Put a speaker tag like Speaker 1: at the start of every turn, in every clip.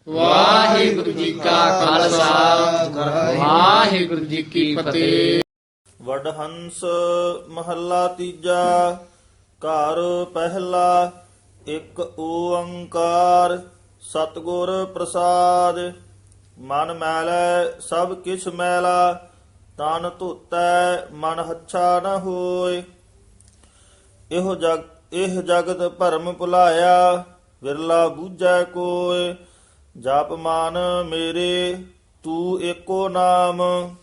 Speaker 1: ਵਾਹਿਗੁਰੂ ਜੀ ਕਾ ਖਾਲਸਾ ਵਾਹਿਗੁਰੂ ਜੀ ਕੀ ਫਤਿਹ।
Speaker 2: ਵਡਹੰਸ ਮਹੱਲਾ ਤੀਜਾ। ਘਰ ਪਹਿਲਾ। ਇੱਕ ਓੰਕਾਰ ਸਤਿਗੁਰ ਪ੍ਰਸਾਦ। ਮਨ ਮੈਲੈ ਸਭ ਕਿਛ ਮੈਲਾ, ਤਨ ਧੋਤੈ ਮਨ ਹੱਛਾ ਨ ਹੋਇ। ਇਹ ਜਗਤ ਭਰਮ ਭੁਲਾਇਆ, ਵਿਰਲਾ ਬੂਝੈ ਕੋਇ। ਜਪ ਮਨ ਮੇਰੇ ਤੂੰ ਏਕੋ ਨਾਮ,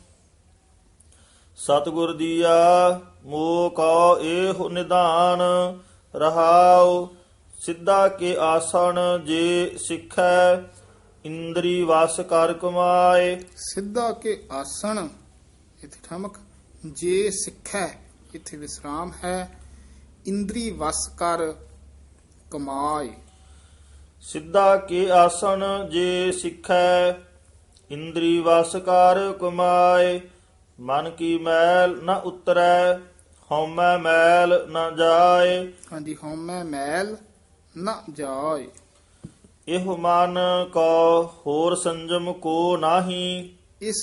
Speaker 2: ਸਤਿਗੁਰ ਦੀਆ ਮੋਹ ਕਉ ਏਹੁ ਨਿਧਾਨ। ਰਹਾਉ ਸਿੱਧਾ ਕੇ ਆਸਣ ਜੇ ਸਿੱਖੈ, ਇੰਦਰੀ ਵਸ ਕਰ ਕਮਾਏ।
Speaker 3: ਸਿੱਧਾ ਕੇ ਆਸਣ ਇਥੇ ਠਮਕ, ਜੇ ਸਿੱਖੈ ਇਥੇ ਵਿਸਰਾਮ ਹੈ। ਇੰਦਰੀ ਵਸ ਕਰ ਕਮਾਏ।
Speaker 2: ਸਿੱਧਾ ਕੇ ਆਸਣ ਜੇ ਸਿੱਖੈ, ਇੰਦਰੀ ਵਸ ਕਰ ਕਮਾਏ। ਮਨ ਕੀ ਮੈਲ ਨ ਉਤਰੈ, ਹਉਮੈ ਮੈਲ ਨ ਜਾਏ।
Speaker 3: ਹਾਂਜੀ, ਹਉਮੈ ਮੈਲ ਨ ਜਾਏ।
Speaker 2: ਇਹੋ ਮਨ ਕੋ ਹੋਰ ਸੰਜਮ ਕੋ ਨਾਹੀ।
Speaker 3: ਇਸ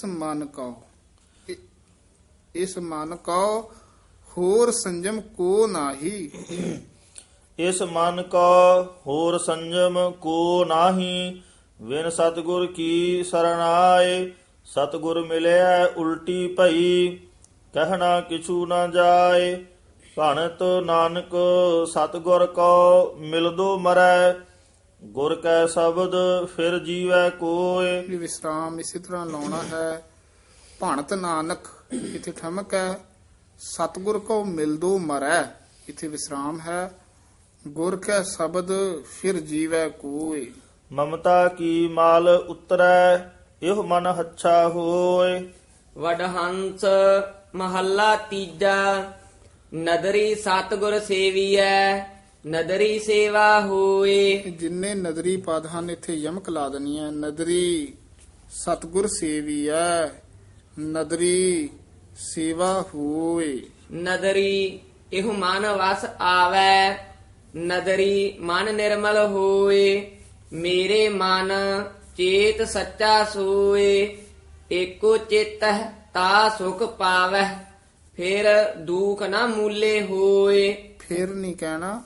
Speaker 3: ਮਨ ਕਉ ਹੋਰ ਸੰਜਮ ਕੋ ਨਾਹੀ।
Speaker 2: ਇਸ ਮਨ ਕੋ ਹੋਰ ਸੰਜਮ ਕੋ ਨਾਹੀ। ਵਿਨ ਸਤਿਗੁਰ ਕੀ ਸਰਣਾਏ, ਸਤਿਗੁਰ ਮਿਲਿਆ ਉਲਟੀ ਭਈ। ਕਹਿਣਾ ਕਿਛੂ ਨਾ ਜਾਏ, ਭਣਤ ਨਾਨਕ ਸਤਿਗੁਰ ਕੋ ਮਿਲਦੋ ਮਰੈ। ਗੁਰ ਕੈ ਸ਼ਬਦ ਫਿਰ ਜੀਵੈ ਕੋਇ।
Speaker 3: ਵੀ ਵਿਸਰਾਮ ਇਸੇ ਤਰ੍ਹਾਂ ਲਾਉਣਾ ਹੈ। ਭਣਤ ਨਾਨਕ ਇਥੇ ਠਮਕ ਹੈ। ਸਤਿਗੁਰ ਕੋ ਮਿਲਦੋ ਮਰੈ ਇਥੇ ਵਿਸਰਾਮ ਹੈ। ਗੁਰ ਕੈ ਸ਼ਬਦ ਫਿਰ ਜੀਵੈ ਕੋਇ।
Speaker 2: ਮਮਤਾ ਕੀ ਮਾਲ ਉਤਰੈ, ਇਹੋ ਮਨ ਹੱਛਾ ਹੋਇ।
Speaker 1: ਵਡਹੰਸ ਮਹੱਲਾ ਤੀਜਾ। ਨਦਰੀ ਸਤਿਗੁਰ ਸੇਵੀਐ, ਨਦਰੀ ਸੇਵਾ ਹੋਏ।
Speaker 3: ਜਿੰਨੇ ਨਦਰੀ ਪਦ ਹਨ ਇੱਥੇ ਯਮਕ ਲਾ ਦੇਣੀ ਹੈ। ਨਦਰੀ ਸਤਿਗੁਰ ਸੇਵੀਐ, ਨਦਰੀ ਸੇਵਾ ਹੋਏ।
Speaker 1: ਨਦਰੀ ਇਹੋ ਮਨ ਵਸ ਆਵੈ, ਨਦਰੀ ਮਨ ਨਿਰਮਲ ਹੋਏ। ਮੇਰੇ ਮਨ ਚੇਤ ਸੱਚਾ ਸੋਏ, ਏਕੋ ਚਿਤਹਿ ਤਾ ਸੁਖ ਪਾਵੈ। ਫਿਰ ਦੁਖ ਨਾ ਮੂਲੇ ਹੋਏ।
Speaker 3: ਫਿਰ ਨਹੀਂ ਕਹਿਣਾ,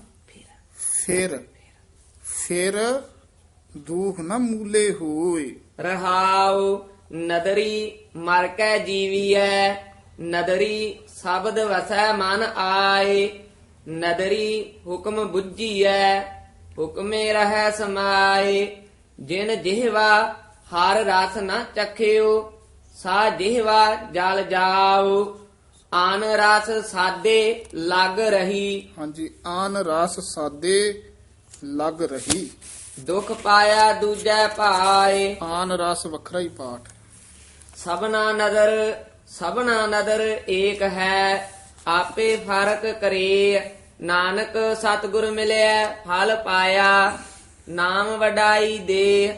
Speaker 3: ਫਿਰ ਦੁਖ ਨਾ ਮੂਲੇ ਹੋਏ।
Speaker 1: ਰਹਾਉ ਨਦਰੀ ਮਰ ਕੈ ਜੀਵੀਐ, ਨਦਰੀ ਸ਼ਬਦ ਵਸੈ ਮਨ ਆਏ। ਨਦਰੀ ਹੁਕਮ ਬੁੱਝੀਐ, ਹੁਕਮੇ ਰਹੈ ਸਮਾਏ। ਜਿਨ ਜਿਹਵਾ ਹਰ ਰਸ ਨ ਚਖਿਓ, ਸਾ ਜਿਹਵਾ ਜਲ ਜਾਉ। ਆਨ ਰਸ ਸਾਦੇ ਲਗ ਰਹੀ,
Speaker 3: ਹਾਂਜੀ, ਆਨ ਰਸ ਸਾਦੇ ਲਗ ਰਹੀ।
Speaker 1: ਦੁਖ ਪਾਇਆ ਦੂਜੈ ਭਾਏ।
Speaker 3: ਆਨ ਰਸ ਵੱਖਰਾ ਹੀ ਪਾਠ।
Speaker 1: ਸਭਨਾ ਨਦਰ ਏਕ ਹੈ, ਆਪੇ ਫਰਕ ਕਰੇ। ਨਾਨਕ ਸਤਿਗੁਰ ਮਿਲਿਆ ਫਲ ਪਾਇਆ, ਨਾਮ ਵਡਾਈ ਦੇ।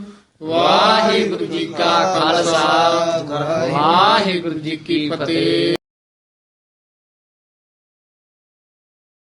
Speaker 4: ਵਾਹਿਗੁਰੂ ਜੀ ਕਾ ਖਾਲਸਾ ਵਾਹਿਗੁਰੂ ਜੀ ਕੀ ਫਤਿਹ।